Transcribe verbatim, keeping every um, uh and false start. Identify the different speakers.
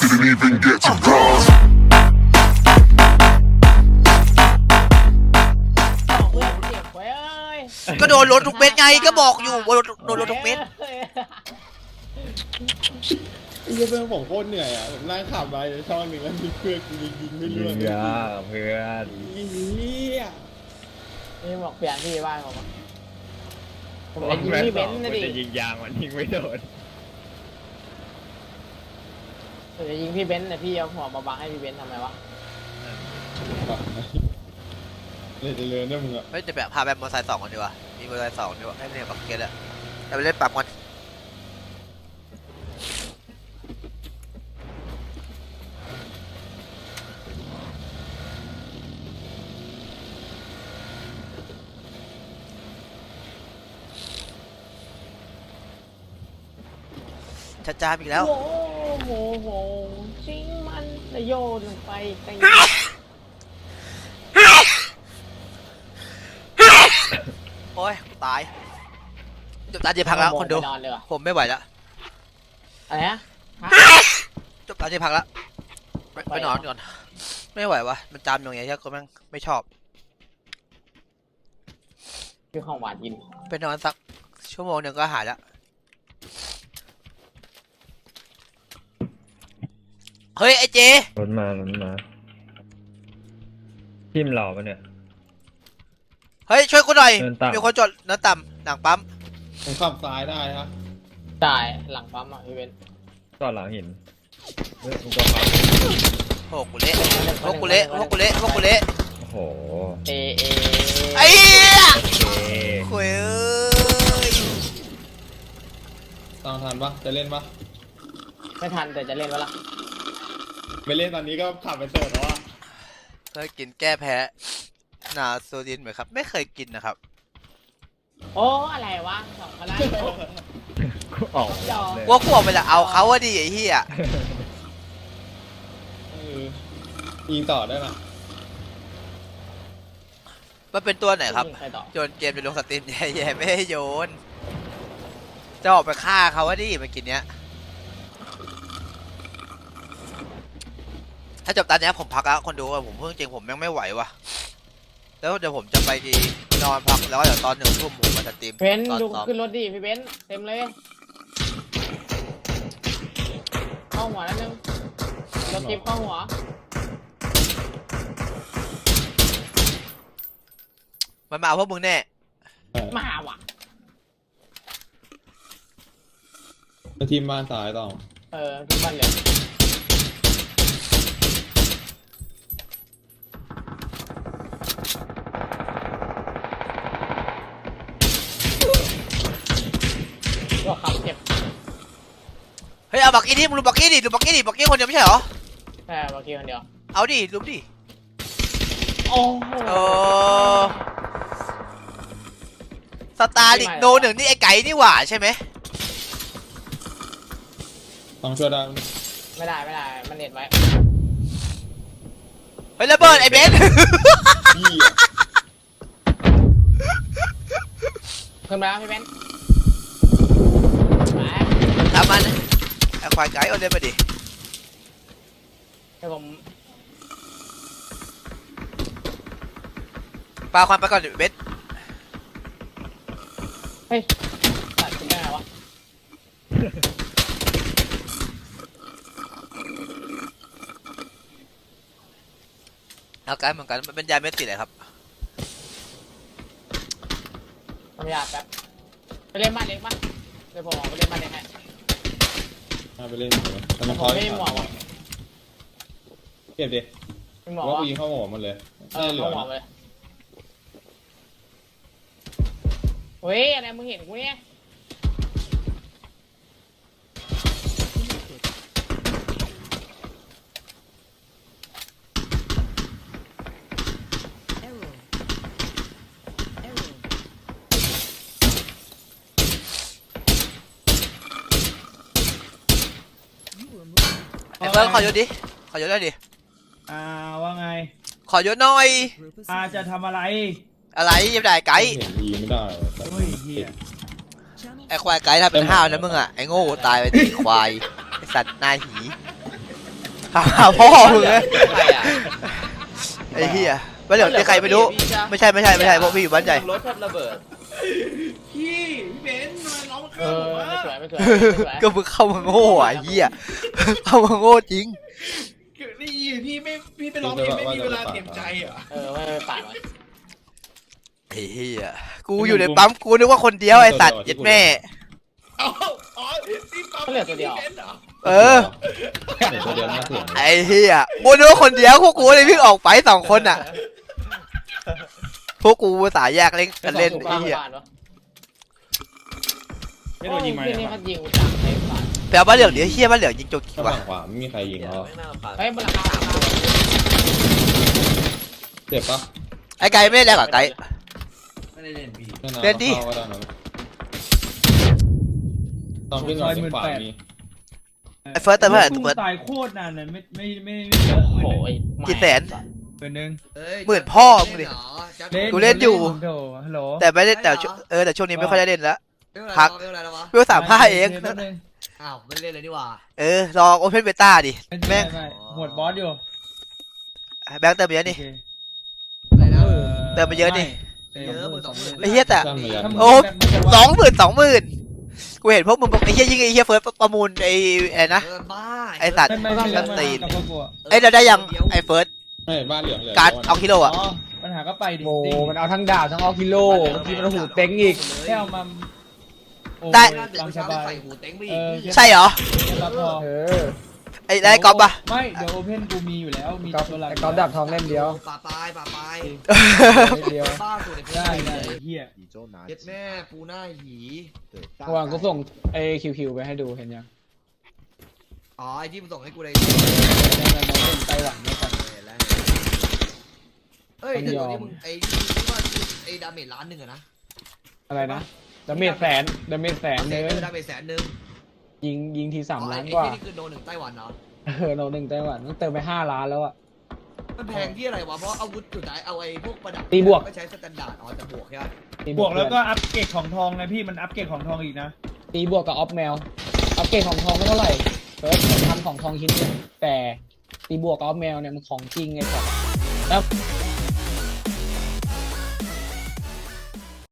Speaker 1: didn't even get to cross.
Speaker 2: เพื่อนเจ็บไว้เอ้ย
Speaker 3: ก็โดนรถทุกเม็ดไงก็บอกอยู่ว่าโดนโดนรถทุกเม็ด
Speaker 4: ไอ้เหี้ยเพื่อนผมโคตรเหนื่อยอ่ะผมนั่งขับไปช่องหนึ่งแล้วมีเพื่อนยิงยิงไม่
Speaker 5: ยิ
Speaker 4: เลือก
Speaker 5: ง
Speaker 4: เลย
Speaker 5: ยาเพื่อน
Speaker 4: ไอ้เหี้ย
Speaker 2: นี่บอกเปลี่ยนที่บ้านผมอะผมจะยิง
Speaker 5: แม่
Speaker 2: พี่
Speaker 5: บ
Speaker 2: เบ
Speaker 5: อน ก
Speaker 2: ซ์
Speaker 5: มั
Speaker 2: นะ
Speaker 5: น
Speaker 2: ดิ
Speaker 5: จะยิงยางมันยิงไม่โดน
Speaker 2: ผมจะยิงพี่เบนซ์แต่พี่เอาหัวมาบังให้พี่เบนซ์ทำไมวะ
Speaker 4: เลยจะเลินได้มึงอ่ะ
Speaker 3: เฮ้ยจะแบบพาแบบมอเตอร์ไซค์สองคนดีกว่ามีมอเตอร์ไซค์สองดีกว่าให้ไม่เล่นบักเก็ตอะแต่ไปเล่นปั๊มกันชัดจ้าอีกแล้ว
Speaker 2: โอ้โหโหจริงมันจะโยนลงไปไกล
Speaker 3: โอ้ยตายจบตาเจ็บพักแล้วคนดู
Speaker 2: นอนเลยว่ะ
Speaker 3: ผมไม่ไหวแล้ว
Speaker 2: อะไรนะ
Speaker 3: จบตาเจ็บพักแล้วไปไปนอนก่อนไม่ไหววะมันจามอย่างเงี้ยก็แม่งไม่ชอบ
Speaker 2: คือของหวานกิน
Speaker 3: ไปนอนสักชั่วโมงหนึ่งก็หายแล้วเฮ้ยไอเจ
Speaker 5: รถมารถมาทิมหล่อปะเนี่ย
Speaker 3: เฮ้ยช่วยกูหน่อย
Speaker 5: เดินต่ำ
Speaker 3: มีคนจดเนื้อต่ำหนังปั๊ม
Speaker 4: ผมขับซ้ายได้ฮะ
Speaker 2: ตายหลังปั๊มอ่ะพี่เบนซ์
Speaker 5: จอดหลังหินเฮ้ยมึงตัวเขา
Speaker 3: โอ้กูเละพวกกูเละพวกกูเละพวกกูเละ
Speaker 5: โอ้โห
Speaker 2: เอเอ
Speaker 3: ไอ้เหี้ย
Speaker 5: โอเค
Speaker 3: คุยเอ้ย
Speaker 4: ตามทันปะจะเล่นปะ
Speaker 2: ไม่ทันแต่จะเล่นวะล่ะ
Speaker 4: ไม่เล่นตอนนี้ก็ขับไปเสิร์ฟแล้วอ่ะ
Speaker 3: เคยกินแก้แพ้นาโซดินไหมครับไม่เคยกินนะครับ
Speaker 2: โอ้อะไรวะสองคนละ
Speaker 5: กูออกเลย
Speaker 3: ว่ากูออกไปละเอาเขาว่าดีไอ้เหี้ย
Speaker 4: เออยิงต่อได้ปะ
Speaker 3: มันเป็นตัวไหนครับ
Speaker 2: ยิงใครต่อ
Speaker 3: โยนเกมจะลงสตรีมแย่ๆไม่ให้โยนจะออกไปฆ่าเขาว่าดีเมื่อกี้เนี้ยถ้าจบตอนนี้ผมพักแล้วคนดูว่าผมเพิ่งจริงผมยังไม่ไหวว่ะแล้วเดี๋ยวผมจะไปนอนพักแล้วก็เดี๋ยวตอนหนึ่งทุ่มผมมาสตรีม
Speaker 2: เบนซ์
Speaker 3: ตอน
Speaker 2: ดู
Speaker 3: ซ้อม
Speaker 2: ขึ้นรถดิพี่เบนซ์เต็มเลยเข้าหัวแล้วนึงรถจิ๊บเข้าหัว
Speaker 3: มันมาเอาพวกมึงแน่
Speaker 2: มาว่ะ
Speaker 4: มาทีมบ้านซ้ายต่อ
Speaker 2: เออที่บ้านเหลืองก็ขับเจ็บ
Speaker 3: เฮ้ยเอาบักกี้ดิมึงดูบักกี้ดิดูบักกี้ดิบักกี้คนเดียวไม่ใช่เหรอ
Speaker 2: แค่บางทีคนเดียว
Speaker 3: เอาดิดูดิ
Speaker 2: โอ้โห
Speaker 3: โอ้สตาร์ลิกโนหนึ่งนี่ไอ้ไก่นี่หว่าใช่ไหม
Speaker 4: ต้องช่วยได้
Speaker 2: ไม่ได้ไม่ได้มันเน็ตไว้
Speaker 3: เฮ้ยระเบิดไอ้เบน
Speaker 4: พี่อะ
Speaker 2: ขึ้นมาแล้วพี่เบนซ์มา
Speaker 3: ตามมันไอ้ควายไก่เอาเล่นมาดิ
Speaker 2: เดี๋ยวผม
Speaker 3: ปาความไปก่อนดิเบน
Speaker 2: เฮ้ยตัดขึ้นได้ไงวะ
Speaker 3: เอาไก่เหมือนกันมันเป็นยาเม็ดติดเลยครับ
Speaker 2: ทำยาแป๊บไปเล่นบ้านเล็กมั้ยเดี๋ยวผมออกไปเล่นบ้านเล็กให้
Speaker 4: มาไปเล่นเลยแต่
Speaker 2: แต่
Speaker 4: มัน
Speaker 2: ผ
Speaker 4: คอ
Speaker 2: ม
Speaker 4: ย
Speaker 2: ไม่มีหมวกว่ะ
Speaker 4: เก็บดิ
Speaker 2: มีหมวก
Speaker 4: ว่า
Speaker 2: ว่ะ
Speaker 4: กูยิงเข้าหัวมันเลย
Speaker 2: เอ
Speaker 4: น่า
Speaker 2: อ
Speaker 4: จะเหลือ
Speaker 2: เอาหมวก
Speaker 4: นะ
Speaker 2: เลยเฮ้ยอะไรมึงเห็นกูเนี่ย
Speaker 3: ไอ้เฟิร์สขอยศดิขอยศได้ดิ
Speaker 6: อ่าว่าไง
Speaker 3: ขอยศหน่อย
Speaker 6: อาจะทำอะไร
Speaker 3: อะไรยังได้ไก่
Speaker 4: เห็นยิงไม่ได้
Speaker 6: เฮ้ยเฮีย
Speaker 3: ไอ้ควายไก่ถ้าเป็นห้าวนะมึงอ่ะไอ้โง่ตายไปดิควายไอ้สัตว์นายหีถามหาพ่อมึงเลย
Speaker 2: ใครอ่ะ
Speaker 3: ไอ้เหี้ยบ้านเหลืองที่ใครไม่รู้ไม่ใช่ไม่ใช่ไม่ใช่พวกพี่อยู่บ้านใหญ่
Speaker 2: รถชอบระเบิด
Speaker 6: พี่พี่เบนซ์ทำไมน้องมา
Speaker 2: เอ
Speaker 6: ฆ่าผมวะ
Speaker 2: อไม่สวยไม่สวยไม่สวย
Speaker 3: ก็มึงเข้ามาโง่อ่ะไอ้เหี้ยเข้ามาโง่จริง
Speaker 6: นี่พี่ไม่พี่ไปร้องเพลงไม่มีเวลาเตรียมใจเหรอ
Speaker 2: เออไม่ไม่ปาดมัน
Speaker 3: ไอ้เหี้ยกูอยู่ในปั๊มกูนึกว่าคนเดียวไอ้สัตว์เย็ดแม่
Speaker 6: อ๋ออ๋อพี่ปั๊มพี่เบนซ์เหรอ
Speaker 3: เออ
Speaker 4: เดี๋ยวตัวเดียวหน้าเสียง
Speaker 3: ไอ้เหี้ยกูนึกว่าคนเดียวพวกกูเลยวิ่งออกไปสองคนอ่ะพวกกูสายแยกเล่นกันเล่นไอ้เหี้ย
Speaker 6: ไม่โดนยิงมา
Speaker 2: เนี่
Speaker 6: เนี่ย ย
Speaker 2: มันยิงกูจังไอ้ปาด
Speaker 3: แปลว่าเหลืองเดี๋ยวเหี้ยบ้านเหลืองยิงโจกกี่
Speaker 4: ข้าง
Speaker 3: วะ
Speaker 4: ขวาไม่มีใครยิง
Speaker 1: เดี๋ยว
Speaker 4: เขา
Speaker 1: ไม่น่าผ่าน
Speaker 2: เฮ้ยบนหลังคาสามตัว
Speaker 4: เจ็บปะ
Speaker 3: ไอ้ไก่ไม่ได้แรงกับไก่
Speaker 1: ไม่ได้เล่นพี่
Speaker 4: ไม่า
Speaker 3: เล่นดิ
Speaker 4: ข้าก็ได้นะต้องขึ้นก่อนขวามี
Speaker 3: ไอ้เฟิร์สเติมเท่าไหร่
Speaker 6: ตุ้
Speaker 3: เฟิร์ส
Speaker 6: ตายโคตรนานเลยไม่ไม่ไม่ไม่เยอะ
Speaker 2: โอ้
Speaker 6: ห
Speaker 2: โห
Speaker 6: มื่นหนึ่ง
Speaker 3: กี่แสน
Speaker 6: หมื่นหนึ่ง
Speaker 1: เอ้ย
Speaker 3: หมื่นพ่อมึงดิ
Speaker 1: เล่นเหรอจ๊ะ
Speaker 3: กูเล่นอยู่
Speaker 6: โถฮัลโหล
Speaker 3: แต่ไม่ได้แต่ช่วงเออแต่ช่วงนี้ไม่ค่อยได้เล่นแล้ว
Speaker 1: ไม่เป็นไร
Speaker 3: พัก
Speaker 1: ไม่เป็นไรแล้ววะ
Speaker 3: เพื่อสามห้าเอง
Speaker 6: แป๊บนึง
Speaker 1: อ้าวไม่ได้เล่นเลยนี่หว่า
Speaker 3: เออรอโอเพนเบต้าดิ
Speaker 6: ไม่
Speaker 3: แม่
Speaker 6: ไม่
Speaker 3: ง
Speaker 6: ไม่หมวดบอสอยู่
Speaker 3: แบงค์เติมไปเยอะนี่
Speaker 6: โอเค
Speaker 1: อะไรนะ
Speaker 3: เติมไปเยอะดิ
Speaker 1: เยอะหมื่นสองหมื่น
Speaker 3: ไอ้เหี้ยแต่
Speaker 4: สั้นเหมือนกัน
Speaker 3: โอ้ สองหมื่นสองหมื่นกูเห็นพวกมึงบอกไอ้เหี้ยยิงไอ้เหี้ยเฟิร์สประมูลไอ้อะไรนะ
Speaker 1: เออบ้า
Speaker 3: ไอ้สัตว์
Speaker 6: ไม่ไม่ไม่
Speaker 3: กั
Speaker 6: ไม่
Speaker 3: นตีน
Speaker 6: กับพวกกูอะ
Speaker 3: เอ้ยเราได้ยังไอ้เฟิร์ส
Speaker 4: ไม่บ้านเหลืองเหลือง
Speaker 3: การ์ดเอากิโลอ่ะ
Speaker 6: อ๋อปัญหาก็ไปดิ
Speaker 7: โอ้มันเอาทั้งดาบทั้งเอากิโลบางทีมันเอาหูเต็งอีก
Speaker 6: แค่เอามาโอ้
Speaker 3: ได้
Speaker 6: ย
Speaker 1: หน้าตึก
Speaker 6: ตาม
Speaker 1: เมื่อ
Speaker 6: ส
Speaker 1: เช้า
Speaker 6: บาย
Speaker 1: ใส่หูเต็งไป
Speaker 6: เอ
Speaker 1: อีก
Speaker 6: อ
Speaker 3: ใช่เหรอ
Speaker 6: แค่รับพอ
Speaker 7: เออ
Speaker 3: ไอ้ไอ้ก๊อฟปะ
Speaker 6: ไม่เดี๋ยวโอเพนกูมีอยู่แล้วมี
Speaker 7: ก๊อฟ
Speaker 6: ตัวหลัก
Speaker 7: ไอ้ก๊อฟดาบทองเล่มเดียว
Speaker 1: ป่าปลายป่าปลาย
Speaker 7: เล่มเดียว
Speaker 1: บ้าสุดในเพชร
Speaker 6: ได้ได้เฮีย
Speaker 1: เย็ดแม่ปูหน้าหี
Speaker 7: เมื่อวานกูส่งไอ้คิวคิวไปให้ดูเห็นยัง
Speaker 1: อ๋อไอ้ที่มึงส่งให้กูเลย
Speaker 7: แล้วน้องเล่นไต้หวันด้วยกัน
Speaker 1: เห็นแล้วเอ้ยแต่ตัวนี้มึงไอ้ที่ว่าไอ้ดาเมจล้านหนึ่งอะนะ
Speaker 7: อะไรนะดาเมจแสนดาเมจแสน
Speaker 1: เอ
Speaker 7: เนื้อ
Speaker 1: อดาเมจแสนหนึ่ง
Speaker 7: ยิงยิงทีสาม
Speaker 1: อ๋อ
Speaker 7: ล้าน
Speaker 1: ไอ้
Speaker 7: กว่า
Speaker 1: ที่นี่คือโดนหนึ่งไต้หวันเนาะ
Speaker 7: เออโนหนึ่งไต้หวันต้องเติมไปห้าล้านแล้วอะ
Speaker 1: มันแพงที่อะไรวะเพราะอาวุธสุดท้ายเอาไอ้พวกประดับ
Speaker 7: ตีบวก
Speaker 1: ก็ใช้สแตนดาร์ดอ๋อแต่บวกใช่ไหม
Speaker 7: ตี
Speaker 6: บวกแล้วก็อัพเกรดของทองนะพี่มันอัพเกรดของทองอีกนะ
Speaker 7: ตีบวกกับออฟแมวอัพเกรดของทองไม่เท่าไหร่เฟิร์สผมทำของทองชิ้นเดียวแต่ตีบวกกับออฟแมวเนี่ยมันของจริงไงครับแล้ว